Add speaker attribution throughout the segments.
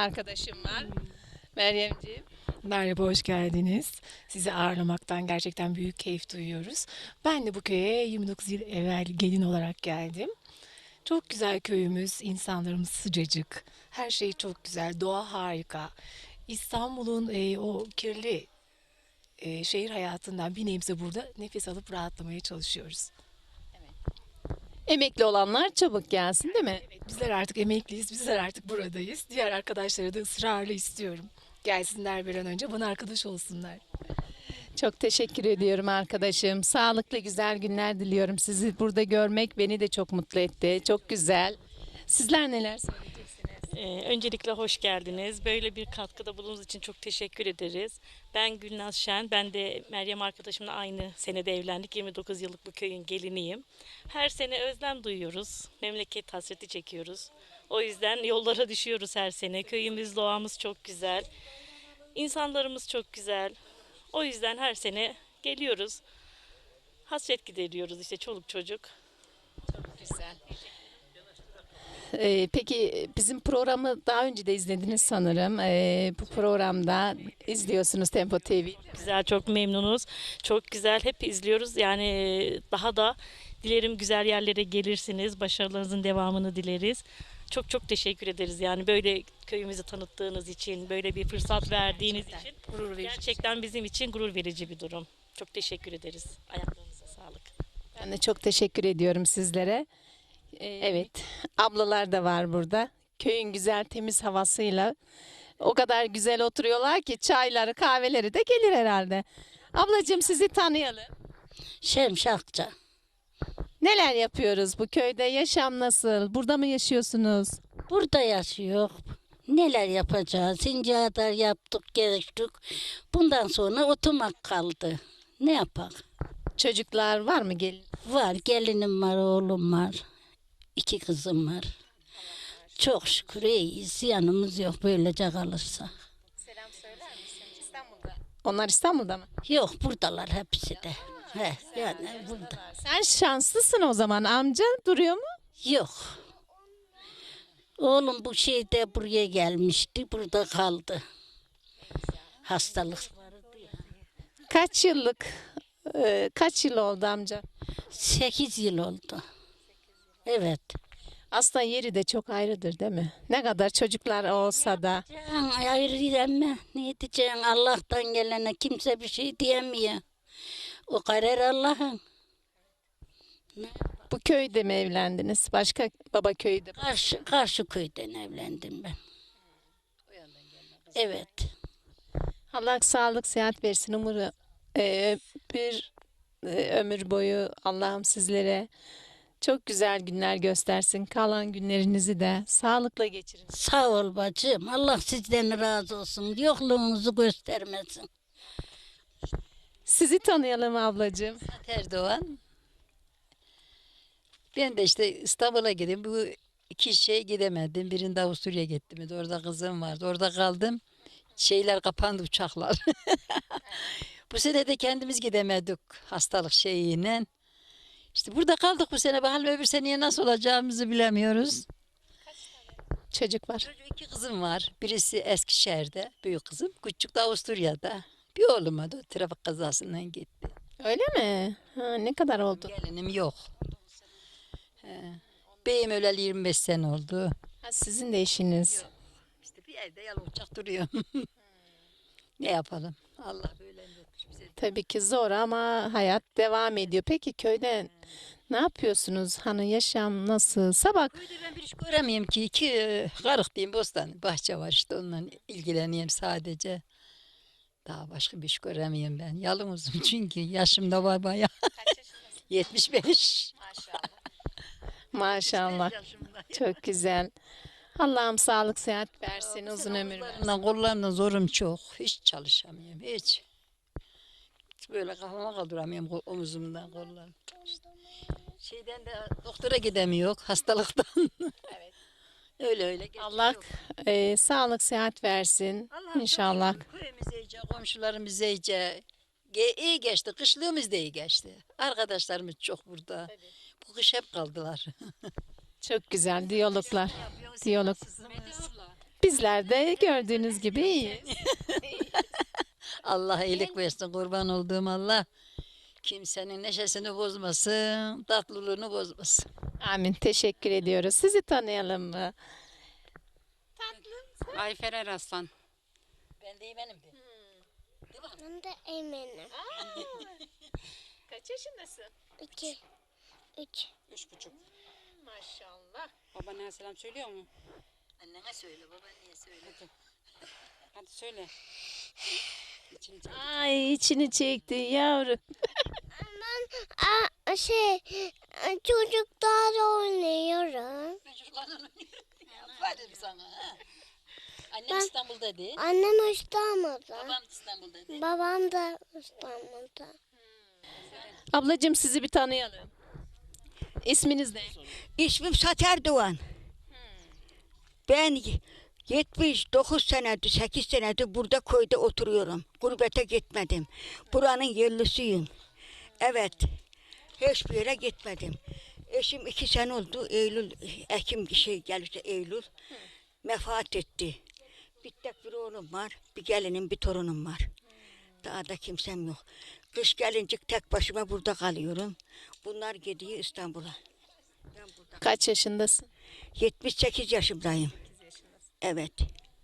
Speaker 1: Arkadaşım var. Meryemciğim.
Speaker 2: Merhaba, hoş geldiniz. Sizi ağırlamaktan gerçekten büyük keyif duyuyoruz. Ben de bu köye 29 yıl evvel gelin olarak geldim. Çok güzel köyümüz, insanlarımız sıcacık, her şey çok güzel, doğa harika. İstanbul'un o kirli şehir hayatından bir nebze burada nefes alıp rahatlamaya çalışıyoruz.
Speaker 1: Emekli olanlar çabuk gelsin değil mi?
Speaker 2: Evet, bizler artık emekliyiz, bizler artık buradayız. Diğer arkadaşları da ısrarla istiyorum. Gelsinler bir an önce, bana arkadaş olsunlar.
Speaker 1: Çok teşekkür ediyorum arkadaşım. Sağlıklı güzel günler diliyorum. Sizi burada görmek beni de çok mutlu etti. Çok güzel. Sizler neler söyleyeceksiniz?
Speaker 3: Öncelikle hoş geldiniz. Böyle bir katkıda bulunduğunuz için çok teşekkür ederiz. Ben Gülnaz Şen. Ben de Meryem arkadaşımla aynı senede evlendik. 29 yıllık bu köyün geliniyim. Her sene özlem duyuyoruz. Memleket hasreti çekiyoruz. O yüzden yollara düşüyoruz her sene. Köyümüz, doğamız çok güzel. İnsanlarımız çok güzel. O yüzden her sene geliyoruz. Hasret gideriyoruz işte çoluk çocuk.
Speaker 1: Güzel. Peki bizim programı daha önce de izlediniz sanırım. Bu programda izliyorsunuz Tempo TV.
Speaker 3: Güzel, çok memnunuz. Çok güzel, hep izliyoruz. Yani daha da dilerim güzel yerlere gelirsiniz. Başarılarınızın devamını dileriz. Çok çok teşekkür ederiz. Yani böyle köyümüzü tanıttığınız için, böyle bir fırsat verdiğiniz için
Speaker 2: Gurur verici.
Speaker 3: gerçekten bizim için gurur verici bir durum. Çok teşekkür ederiz. Ayaklarınıza sağlık.
Speaker 1: Ben de çok teşekkür ediyorum sizlere. Evet, ablalar da var burada. Köyün güzel temiz havasıyla o kadar güzel oturuyorlar ki çayları, kahveleri de gelir herhalde. Ablacığım sizi tanıyalım.
Speaker 4: Şemşakça.
Speaker 1: Neler yapıyoruz bu köyde? Yaşam nasıl? Burada mı yaşıyorsunuz?
Speaker 4: Burada yaşıyor. Neler yapacağız? İnce kadar yaptık, geçtik. Bundan sonra oturmak kaldı. Ne yapak?
Speaker 1: Çocuklar var mı gelin?
Speaker 4: Var, gelinim var, oğlum var. 2 kızım var. Çok şükür iyiyiz. Yanımız yok böylece kalırsa.
Speaker 1: Onlar İstanbul'da mı?
Speaker 4: Yok, buradalar hepsi de. He, yani burada.
Speaker 1: Sen şanslısın o zaman. Amca duruyor mu?
Speaker 4: Yok. Oğlum bu şeyde buraya gelmişti. Burada kaldı. Hastalık.
Speaker 1: Kaç yıl oldu amca?
Speaker 4: 8 yıl oldu. Evet.
Speaker 1: Aslında yeri de çok ayrıdır değil mi? Ne kadar çocuklar olsa da.
Speaker 4: Can ayrı diyemem. Ne diyeceksin? Allah'tan gelene kimse bir şey diyemiyor. O karar Allah'ın.
Speaker 1: Bu köyde mi evlendiniz? Başka baba köyde mi?
Speaker 4: Karşı köyden evlendim ben. Evet.
Speaker 1: Allah sağlık, sıhhat versin. Umarım bir ömür boyu Allah'ım sizlere çok güzel günler göstersin. Kalan günlerinizi de sağlıkla geçirin.
Speaker 4: Sağ ol bacım. Allah sizden razı olsun. Yokluğunuzu göstermesin.
Speaker 1: Sizi tanıyalım ablacığım.
Speaker 5: Erdoğan. Ben de işte İstanbul'a gideyim. Bu iki şey gidemedim. Birinde Avusturya'ya gittim. Orada kızım vardı. Orada kaldım. Şeyler kapandı, uçaklar. Bu sene de kendimiz gidemedik hastalık şeyiyle. İşte burada kaldık bu sene. Bakalım öbür seneye nasıl olacağımızı bilemiyoruz.
Speaker 1: Çocuk var.
Speaker 5: Çocuğu 2 kızım var. Birisi Eskişehir'de, büyük kızım. Küçük de Avusturya'da. Bir oğluma da trafik kazasından gitti.
Speaker 1: Öyle mi? Ha, ne kadar oldu?
Speaker 5: Gelinim yok. Beyim öleli 25 sene oldu.
Speaker 1: Ha, sizin de eşiniz.
Speaker 5: İşte bir evde yalıncak duruyor. Ne yapalım? Allah böyle etmiş bize.
Speaker 1: Tabii ki zor ama hayat devam ediyor. Peki köyde ne yapıyorsunuz? Hani yaşam nasıl? Sabah
Speaker 5: Köyde ben bir iş göremiyorum ki. 2 karık diyeyim, bostan bahçe var işte, onunla ilgileniyorum sadece. Daha başka bir iş göremiyorum ben. Yalnızım çünkü yaşım da var bayağı. 75.
Speaker 1: maşallah.
Speaker 5: Yaşımda.
Speaker 1: Çok güzel. Allah'ım sağlık sıhhat versin, uzun ömür versin.
Speaker 5: Kollarımla zorum çok. Hiç çalışamıyorum. Hiç. Hiç böyle kafama kaldıramıyorum omuzumdan kollarım. İşte şeyden de doktora gidemiyor hastalıktan. Öyle öyle. geçiyor.
Speaker 1: Allah sağlık sıhhat versin.
Speaker 5: Allah'ım
Speaker 1: İnşallah.
Speaker 5: çok şükür köyümüz iyice, komşularımız iyice. İyi geçti. Kışlığımız da iyi geçti. Arkadaşlarımız çok burada. Bu kış hep kaldılar.
Speaker 1: Çok güzel diyaloglar. Diyalog. Bizler de gördüğünüz gibi iyiyiz.
Speaker 5: Allah iyilik versin, kurban olduğum Allah. Kimsenin neşesini bozmasın, tatlılığını bozmasın.
Speaker 1: Amin. Teşekkür ediyoruz. Sizi tanıyalım mı?
Speaker 6: Ayfer Eraslan.
Speaker 5: Ben de benim de.
Speaker 7: Ben de eminim.
Speaker 1: Kaç yaşındasın?
Speaker 7: 2, 3.
Speaker 6: 3,5.
Speaker 1: Maşallah.
Speaker 6: Babana selam söylüyor mu?
Speaker 5: Annene söyle, babaanneye söyle.
Speaker 6: Hadi söyle. İçini çek.
Speaker 1: Ay içini çekti yavrum.
Speaker 7: Çocuklarla oynuyorum.
Speaker 5: Ben çocuklarla oynuyorum. Aferin sana. Ha. Annem İstanbul'da değil.
Speaker 7: Annem İstanbul'da.
Speaker 5: Babam İstanbul'da değil.
Speaker 7: Babam da İstanbul'da.
Speaker 1: Ablacığım sizi bir tanıyalım. İsminiz ne?
Speaker 8: İsmim Sater Doğan. Ben 79 senedir, 8 senedir burada köyde oturuyorum. Gurbete gitmedim. Buranın yerlisiyim. Evet. Hiçbir yere gitmedim. Eşim 2 sene oldu. Ekim gelirse Eylül. Vefat etti. Bir tek bir oğlum var. Bir gelinim, bir torunum var. Daha da kimsem yok. Kış gelince tek başıma burada kalıyorum. Bunlar gidiyor İstanbul'a.
Speaker 1: Kaç yaşındasın?
Speaker 8: 78 yaşındayım. Evet.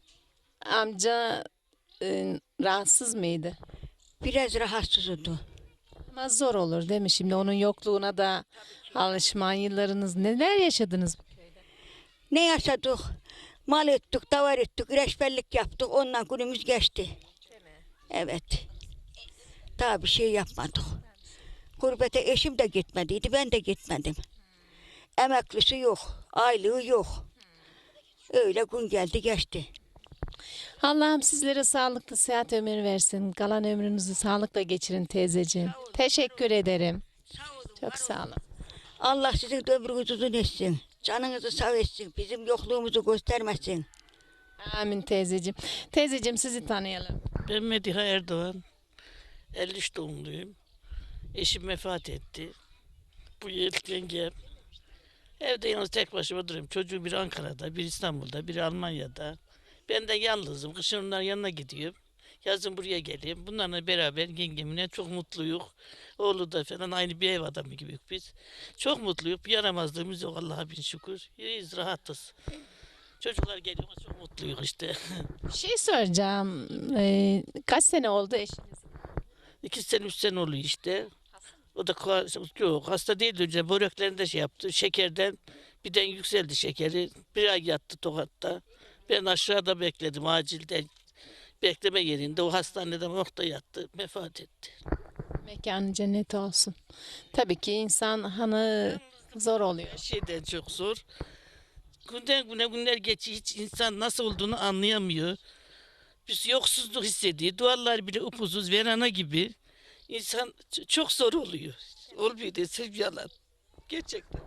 Speaker 1: Amca rahatsız mıydı?
Speaker 8: Biraz rahatsız oldu.
Speaker 1: Ama zor olur değil mi? Şimdi onun yokluğuna da alışman yıllarınız neler yaşadınız?
Speaker 8: Ne yaşadık? Mal ettik, davar ettik, reçberlik yaptık. Ondan günümüz geçti. Evet. Daha bir şey yapmadık. Gurbete eşim de gitmediydi, ben de gitmedim. Emeklisi yok, aylığı yok. Öyle gün geldi geçti.
Speaker 1: Allah'ım sizlere sağlıklı sıhhat ömür versin. Kalan ömrünüzü sağlıkla geçirin teyzeciğim. Teşekkür ederim. Çok sağ olun.
Speaker 8: Allah sizin de ömrünüzü uzun etsin. Canınızı sağ etsin. Bizim yokluğumuzu göstermesin.
Speaker 1: Amin teyzeciğim. Teyzeciğim sizi tanıyalım.
Speaker 9: Ben Mediha Erdoğan. 53 doğumluyum. Eşim vefat etti. Bu yıl yengem. Evde yalnız tek başıma duruyorum. Çocuğum biri Ankara'da, biri İstanbul'da, biri Almanya'da. Ben de yalnızım. Kışın onların yanına gidiyorum. Yazın buraya geliyorum. Bunlarla beraber yengemle çok mutluyuz. Oğlu da falan aynı bir ev adamı gibi biz. Çok mutluyuz. Bir yaramazlığımız yok Allah'a bin şükür. İyiyiz, rahatız. Çocuklar geliyor, çok mutluyuz işte.
Speaker 1: Bir şey soracağım. Kaç sene oldu eşiniz?
Speaker 9: 2 sene 3 sene oluyor işte. O da yok hasta değildi önce böreklerinde şey yaptı. Şekerden birden yükseldi şekeri. Bir ay yattı Tokat'ta. Ben aşağıda bekledim acilde. Bekleme yerinde o hastanede morgda yattı. Vefat etti.
Speaker 1: Mekanı cennet olsun. Tabii ki insan hanı zor oluyor.
Speaker 9: Her şeyden çok zor. Günden güne günler geçiyor. Hiç insan nasıl olduğunu anlayamıyor. Biz yoksuzluk hissediyor. Duvarlar bile upuzuz verana gibi. İnsan çok zor oluyor. Olmuyor desem yalan. Gerçekten.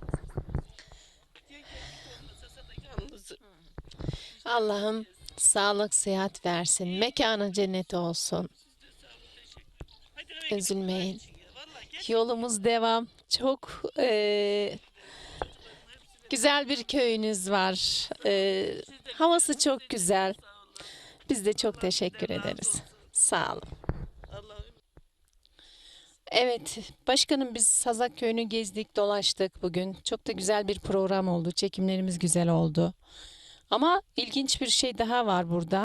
Speaker 9: Yalnızım.
Speaker 1: Allah'ım sağlık sıhhat versin. Mekanı cennet olsun. Üzülmeyin. Yolumuz devam. Çok güzel bir köyünüz var. Havası çok güzel. Biz de çok teşekkür ederiz. Sağ olun. Evet, başkanım biz Sazak Köyü'nü gezdik, dolaştık bugün. Çok da güzel bir program oldu. Çekimlerimiz güzel oldu. Ama ilginç bir şey daha var burada.